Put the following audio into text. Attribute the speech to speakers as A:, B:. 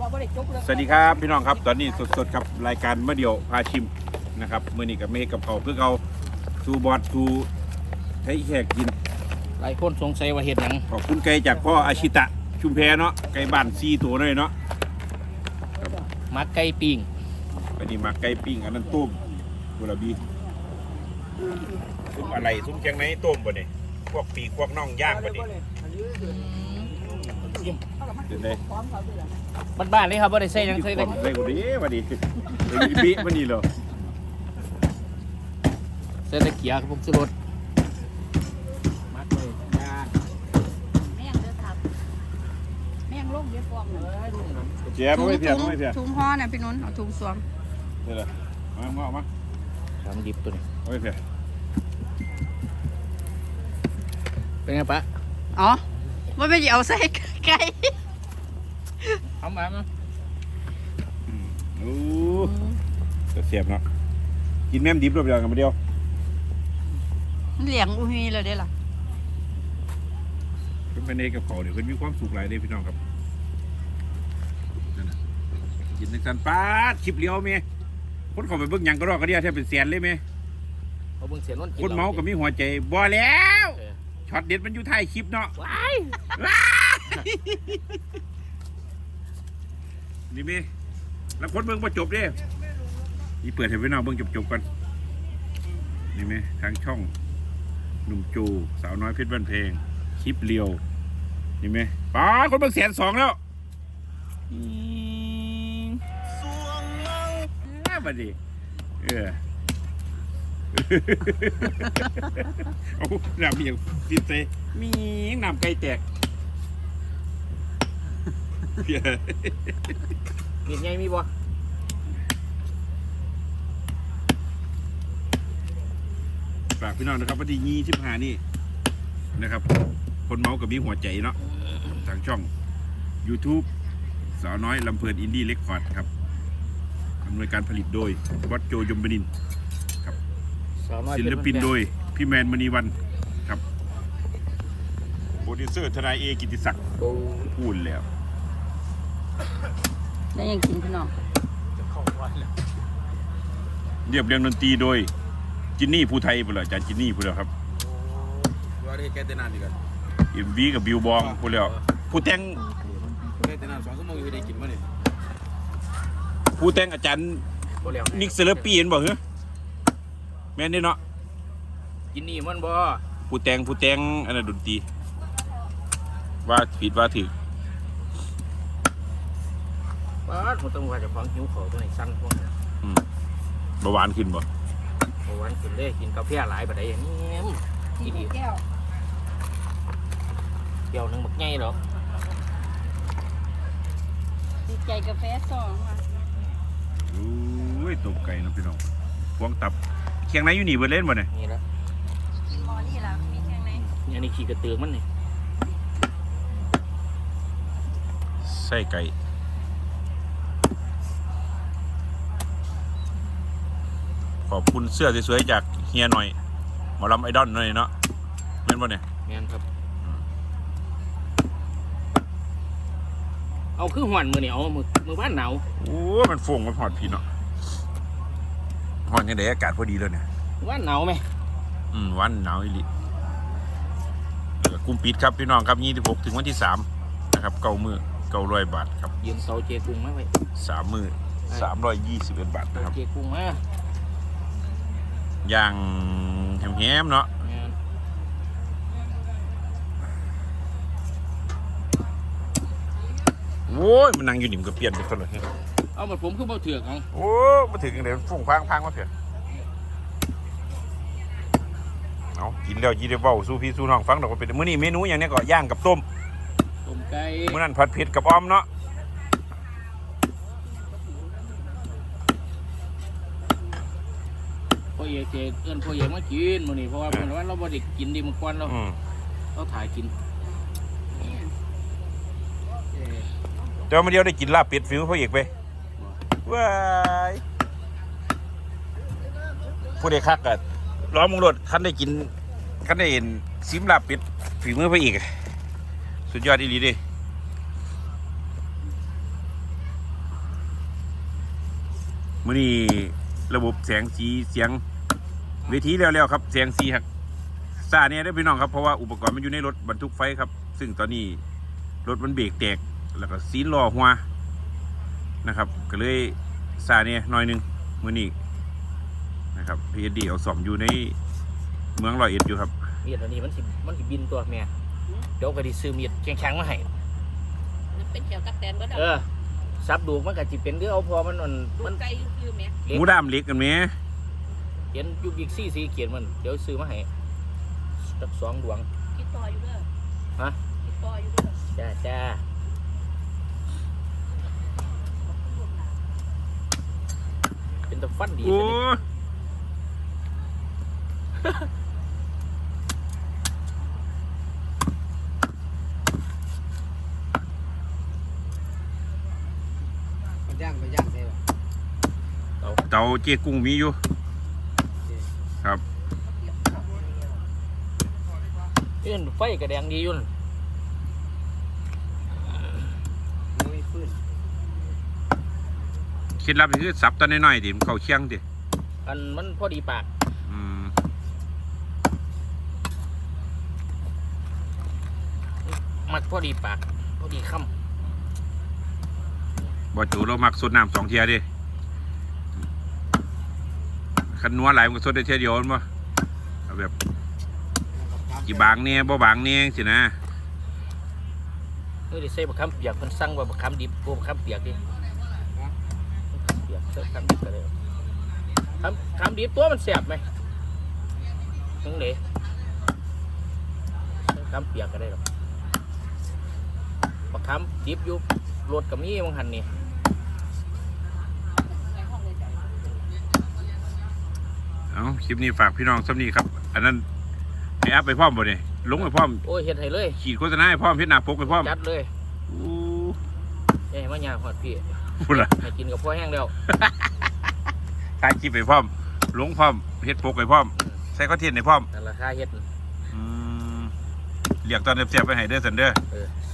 A: สวัสดีครับพี่น้องครับตอนนี้สดๆครับรายการเมื่อเดียวพาชิมนะครับมื้อนี้กับเมฆกับเขาเพื่อเอาสูบอดสูให้แขกกิน
B: หลายคนสงสัยว่าเห็ดหยัง
A: ขอบคุณไก่จากพ่ออาชิตะชุมแพเนาะไก่บ้าน4ตัวเลยเนาะ
B: มักไก่ปิ้ง
A: อันนี้มาไก่ปิ้งอันนั้นต้มกุหลาบีซุ้มอะไรซุ้มแกงไหนต้มบ่เนี่ยพวกปีกพวกน่องย่างบ่เนี่ยเดี๋ยวได้
B: บ้านๆเลยครับว่าได้ใส่หยังเคย
A: ค
B: ได้
A: นได้กูดีมาดิบีมานี่เหรอ
B: ใส่ตะเกียบผมสุรสมักเลยย่าง
C: แม่งเด้อครับแม่งลงเยอะฟองเลย
A: เจี๊ยบไม่เพียบไม่เพียบ
C: ถุงห่อเนี่ยพี่นุ่นเอาถุงสวม
A: เดี๋ยวมา
B: ทำดิบตัวนี้
A: ไม่เพียบ
B: เป็นไงปะ
C: อ๋อว่าไม่ได้เอาใส่ไก่
B: เอามา
A: โอ้จะเสียบเนาะกินแม่มดิบรอบเดียวกันมาเดียว
C: เหลียงอุ้ยเลยได้ล่ะ
A: เป็นเอกกับเขาเดี๋ยวเพิ่นมีความสุขหลายเด้พี่น้องครับนั่นน่ะกินในสันปาดคลิปเลี้ยวเมย์คนเขาไปเบิ่งหยังก็รอกก็เดียวแทบเป็นแสนเลยเมย์
B: เอาเบิ่งเสียนน
A: คนเมาก็มีหัวใจบ่แล้วช็อตเด็ดมันอยู่ท้ายคลิปเนาะ
B: ว้าย
A: นี่เมย์แล้วคนเบิ่งบ่จบเด้นี่เปิดให้พี่น้องเบิ่งจบๆกันนี่เมย์ทางช่องหนุ่มจูสาวน้อยเพชรบ้านเพลงคลิปเลียวนี่เมย์ป้าคนเบิ่ง120,000แล้วบัดนี้เอาน้ำอย่างติดเตมีน้ำไก่แตก
B: มีดใหญ่มีบ่
A: ฝากพี่น้องนะครับวันที่25นี่นะครับคนเมากับมีหัวใจเนาะทางช่อง YouTube สาวน้อยลำเพลินอินดี้เรคคอร์ดครับอำนวยการผลิตโดยวัดโจยมบดินทร์
B: สาวน้อย
A: ศิลปินโดยพี่แมนมณีวันครับโปรดิวเซอร์ทนายเอกิติศักดิ์
B: โอ้
A: พูดแล้ว
C: ได้ยังกินพี่น้อง
A: เรียบเรียงดนตรีโดยจินนี่ภูไทยพูดแล้วอาจารย์จินนี่พูดแล้วครับ
D: ว่าได้แค่เต้นนานดีกัน
A: MV กับบิวบองพูดแล้วผู้แต่ง
D: แค่เต้นนาน2 ชั่วโมงอยู่ได้กินมั้ยนี่
A: ผู้แต่งอาจารย์
B: บ่แล้ว
A: นิกเซเลปีเห็นบอกเหรอแม่นนี่เนาะ
B: กินนี่มันบ่
A: ผู้แต่งอันนั้นดนตรีว่าผิดว่าถูก
B: ป้าดผมต้องว่าจะฟังหิวข้าวตัวนี้สั่นพวกนี้
A: เบาหวานขึ้นบ่
B: เมื่อวันขึ้นเลยกินกาแฟหลายบัดใดอย่างนี้อีดี
C: แก้ว
B: เกี่ยวหนึงบักใหญ่ดอก
C: ดีใจกาแฟสองว่ะ
A: โอ้ยตบไก่เนาะพี่น้องพวงตับเคียงไหนอยู่นี่เบิดเล่นบ่เนี่ย
B: นี่ละ
C: กินหมอนี่ล่ะมีแค่ไหน
B: อันนี้ขี้กระตือมันนี่
A: ไส้ไก่ขอบคุณเสื้อสวยๆจากเฮียหน่อยหมอลำไอดอลหน่อยเนาะแม่นบ่เนี่ย
B: แม่นครับเอาคือหวนมือนี่เอามือบ้านหนาว
A: โอ้มันฟงมันหอดพี่เนาะหอดยังไงอากาศพอดีเลยเนี่ย
B: บ้านหนาวไหม
A: วันหนาวอีหลีแล้วก็กลุ่มปิดครับพี่น้องครับ26ถึงวันที่3นะครับ900 บาทครับ
B: ยืมเสาเจกุ้งมาไว้
A: 3 มื้อ321 บาทนะครับ
B: เจกุ้งมา
A: อย่างแฮมๆเนาะ
B: แม่น
A: โว้ยมันนั่งอยู่นิ่มก็เปลี่ยนไปคนเลย
B: เอามาผมคือเบาเถือกเอา
A: โอ้มาถึงเดี๋ยวฝุ่งพังมาเถอะเอากินแล้วยีได้เว้าสู้พี่สู้น้องฟังดอกว่าเป็นมื้อนี้เมนูอย่างเนี้ยก็ย่างกับต้ม
B: ต้มไก่
A: มื้อนั้นผัดเผ็ดกับอ้อมเนาะ
B: พ่อเอกเจเอื้อนพ่อเอกมากินมื้อนี้เพราะว่าเมื่อวันเราบ่ได้กินดีมื้อก่อนเราถ่ายกิน
A: เดี๋ยวมาเดียวได้กินลาบเป็ดฟิวพ่อเอกไปว้ายผู้ใดคักอะร้องมึงรถคันได้กินคันได้เห็นซิมลาบเป็ดฝีมือพ่อเอกสุดยอดอีหลีเดิมื้อนี้ระบบแสงสีเสียงเวทีแล้วครับแสงสีครับซาเนี่ยได้อพี่น้องครับเพราะว่าอุปกรณ์มันอยู่ในรถบรรทุกไฟครับซึ่งตอนนี้รถมันเบรกแตกแล้วก็ซีนล้อหัวนะครับก็เลยซาเนี่ยหน่อยหนึงมื้อนี้นะครับพีเอสดีเอาซ่อมอยู่ในเมืองร้อยเอ็ดอยู่ครับ
B: มีดอันนี้มันสิบินตัวแม่เดี๋ยวก็สิซื้อมีดแข็งๆมาให้
C: มันเป็นเกี่ยวกับแตนก็ได้
B: ซับดูกมันก็สิเป็นหรือเอาพอมัน
C: มั
B: มัน น
C: ไกลคือแม่
A: หมูดามเล็กกันไหม
B: เขียนยูบิกซี่สีเขียนมันเดี๋ยวซื้อมาให้สัก2 ดวง
C: คิดต่ออยู่เด้อ
B: ฮะ
C: คิดต่ออยู่เด้อ
B: จ้าเป็นตะฟันดี
A: โอ้
D: มันย่างใช่ป่ะ
A: เตาเจ๊กุ้งมีอยู่ครับ
B: นี่ไฟกระแดงดีอยู่นั่น
D: ไม่ฟื้น
A: คิดลับคือสับตอนน้อยๆดิมันเข้าเคียงดิ
B: อันมันพอดีปาก
A: อืม
B: มักพอดีปากพอดีค
A: บ่จูเรามักสดน้ำ2 เทียดิคันนัวหลายมันก็สดได้เทียเดียวมันบ่เอาแบบกี่บางเนี่ยบ่บางเนี่ยสินะ
B: ำนี่ได้ใส่บักคำเปียกเพิ่นสั่งว่าบักคำดิบบักคำเปียกดิเปียกใส่คำดิบก็ได้คำดิบตัวมันแสบไหมถึงเด๋คำเปียกก็ได้หรอกบักคำดิบอยู่รถกับมีบางหันนี่
C: ในห้องเลยจ้ะ
A: เอาคลิปนี้ฝากพี่น้องซ้ำนี้ครับ อันนั้นให้อัพไปพร้อมบ่เนี่ยลงไปพร้อม
B: โอ้ยเฮ็ดให้เลย
A: ขีดโฆษณาให้พร้อมเพชรหน้าปกไปพร้อม
B: จัดเลย
A: อู้
B: เอ้ยมาหยาหอดพี่
A: พูดละ
B: ให้กินกับพ่อแห้งแล้ว
A: ถ่ายคลิปไปพร้อมลงพร้อมเฮ็ดปกไปพร้อมใส่คอนเทนต์ให้พร้อม
B: นั่นราคาเฮ็ด
A: เรียกตอนเสียบๆไปให้เด้อสันเด้อ
B: เออ